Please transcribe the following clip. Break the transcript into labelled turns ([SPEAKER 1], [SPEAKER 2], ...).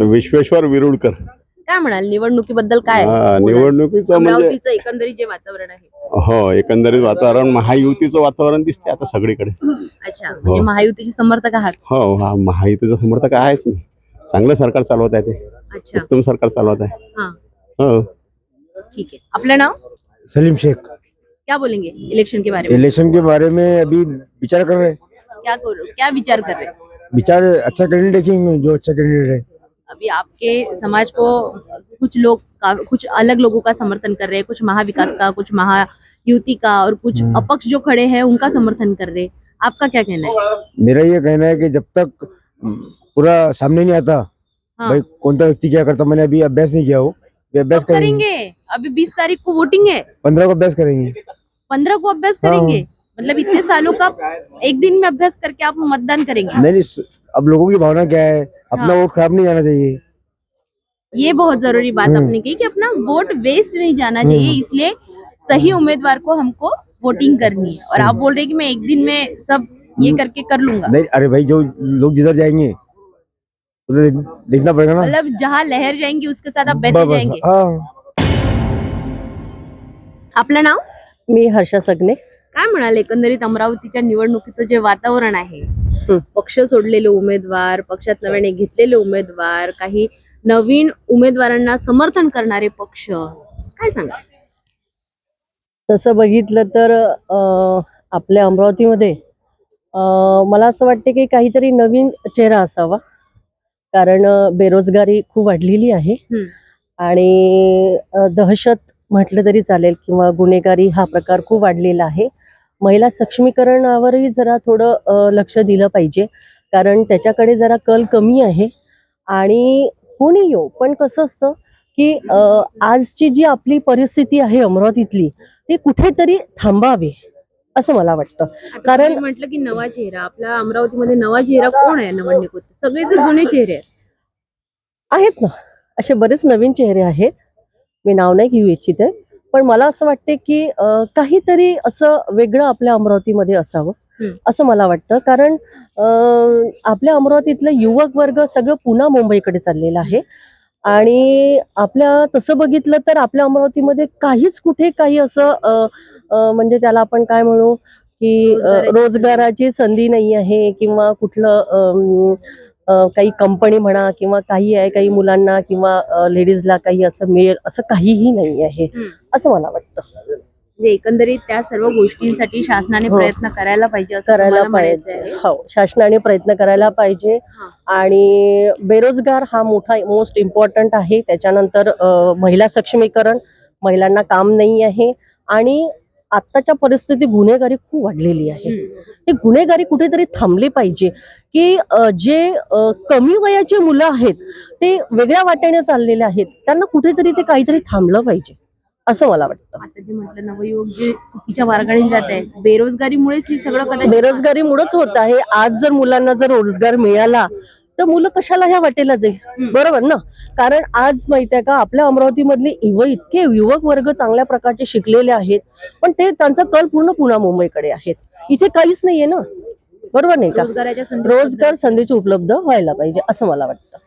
[SPEAKER 1] विश्वेश्वर विरुडकर.
[SPEAKER 2] काय म्हणाल निवडणुकीबद्दल? काय
[SPEAKER 1] निवडणुकीचं म्हणजे
[SPEAKER 2] अमरावतीचं एकंदरीत जे वातावरण आहे?
[SPEAKER 1] हो, एकंदरीत वातावरण महायुतीचं वातावरण दिसते आता सगळीकडे.
[SPEAKER 2] अच्छा, म्हणजे महायुतीचे समर्थक आहात?
[SPEAKER 1] हो, हा महायुतीचं समर्थक आहेच मी. चांगलं सरकार चालवत आहे ते.
[SPEAKER 2] अच्छा,
[SPEAKER 1] उत्तम सरकार चालवत आहे.
[SPEAKER 2] हाँ
[SPEAKER 1] हो.
[SPEAKER 2] ठीक है। अपना नाम?
[SPEAKER 3] सलीम शेख।
[SPEAKER 2] क्या बोलेंगे इलेक्शन के बारे में?
[SPEAKER 3] इलेक्शन के बारे में अभी विचार कर रहे हैं।
[SPEAKER 2] क्या विचार कर रहे हैं?
[SPEAKER 3] विचार अच्छा कैंडिडेट देखेंगे, जो अच्छा कैंडिडेट है।
[SPEAKER 2] अभी आपके समाज को कुछ लोग कुछ अलग लोगों का समर्थन कर रहे हैं, कुछ महाविकास का, कुछ महायुति का, और कुछ अपक्ष जो खड़े हैं उनका समर्थन कर रहे हैं। आपका क्या कहना है?
[SPEAKER 3] मेरा ये कहना है कि जब तक पूरा सामने नहीं आता,
[SPEAKER 2] हाँ।
[SPEAKER 3] भाई कौन सा व्यक्ति क्या करता, मैंने अभी अभ्यास नहीं किया हो, अभ्यास
[SPEAKER 2] करेंगे। अभी 20 तारीख को वोटिंग है,
[SPEAKER 3] 15 को अभ्यास करेंगे।
[SPEAKER 2] 15 को अभ्यास करेंगे? मतलब इतने सालों का एक दिन में अभ्यास करके आप मतदान करेंगे?
[SPEAKER 3] नहीं, अब लोगों की भावना क्या है, अपना वोट खराब नहीं जाना चाहिए।
[SPEAKER 2] ये बहुत जरूरी बात आपने की कि अपना वोट वेस्ट नहीं जाना चाहिए, इसलिए सही उम्मीदवार को हमको वोटिंग करनी है। और आप बोल रहे हैं कि मैं एक दिन में सब ये करके कर लूंगा?
[SPEAKER 3] नहीं, अरे भाई जो लोग जिधर जाएंगे उधर देखना पड़ेगा ना।
[SPEAKER 2] मतलब जहाँ लहर जाएंगी उसके साथ आप बहते जाएंगे। आपलं नाव?
[SPEAKER 4] मी हर्षा सगने।
[SPEAKER 2] काय म्हणाले एकंदरीत अमरावतीच्या निवडणुकीचं जे वातावरण आहे, पक्ष सोडलेले उमेदवार, पक्षात नव्याने घेतलेले उमेदवार, काही नवीन उमेदवारांना समर्थन करणारे पक्ष, काय सांगा?
[SPEAKER 4] तसं बघितलं तर आपल्या अमरावतीमध्ये मला असं वाटते की काहीतरी नवीन चेहरा असावा, कारण बेरोजगारी खूप वाढलेली आहे आणि दहशत म्हटलं तरी चालेल किंवा गुन्हेगारी हा प्रकार खूप वाढलेला आहे। महिला सक्षमीकरणावरही जरा थोडं लक्ष दिलं पाहिजे, कारण त्याच्याकडे जरा कल कमी आहे। आणि कोणी येऊ, पण कसं असतं की आजची जी आपली परिस्थिती आहे अमरावतीतली, ती कुठेतरी थांबावी असं मला वाटतं।
[SPEAKER 2] कारण म्हटलं की नवा चेहरा, आपल्या अमरावतीमध्ये नवा चेहरा कोण आहे निवडणुकीत? सगळे तर जुने चेहरे
[SPEAKER 4] आहेत ना, असे बरेच नवीन चेहरे आहेत, मी नाव नाही घेऊ इच्छिते, पण मला असं वाटते की काहीतरी असं वेगळं आपल्या अमरावतीमध्ये असावं असं मला वाटतं। कारण आपल्या अमरावतीतलं युवक वर्ग सगळं पुन्हा मुंबईकडे चाललेलं आहे आणि आपल्या तसं बघितलं तर आपल्या अमरावतीमध्ये काहीच कुठे काही असं म्हणजे त्याला आपण काय म्हणू की रोजगाराची संधी नाही आहे, किंवा कुठलं काही कंपनी म्हणा किंवा काही आहे, काही मुलांना किंवा लेडीजला काही असं मिळेल असं काहीही नाही आहे असं मला वाटतं।
[SPEAKER 2] एकंदरीत त्या सर्व गोष्टींसाठी शासनाने प्रयत्न करायला पाहिजे,
[SPEAKER 4] करायला पाहिजे। हो, शासनाने प्रयत्न करायला पाहिजे। आणि बेरोजगार हा मोठा मोस्ट इम्पॉर्टंट आहे। त्याच्यानंतर महिला सक्षमीकरण, महिलांना काम नाही आहे, आणि आत्ताच्या परिस्थिती गुन्हेगारी खूप वाढलेली आहे। हे गुन्हेगारी कुठेतरी थांबली पाहिजे, की जे कमी वयाचे मुलं आहेत ते वेगळ्या वाटेने चाललेले आहेत, त्यांना कुठेतरी ते काहीतरी थांबलं पाहिजे असं मला वाटतं।
[SPEAKER 2] आता जे म्हटलं नवयुवक जे चुकीच्या मार्गाने जात आहे, बेरोजगारीमुळेच हे सगळं कदाचित
[SPEAKER 4] बेरोजगारीमुळेच होत आहे। आज जर मुलांना जर रोजगार मिळाला तर मुलं कशाला ह्या वाटेला जाईल, बरोबर ना? कारण आज माहिती आहे का, आपल्या अमरावतीमधले इतके युवक वर्ग चांगल्या प्रकारचे शिकलेले आहेत, पण ते त्यांचा कल पूर्ण पुन्हा मुंबईकडे आहेत, इथे काहीच नाहीये ना, बरोबर नाही का? रोजगार संधीची उपलब्ध व्हायला पाहिजे असं मला वाटतं।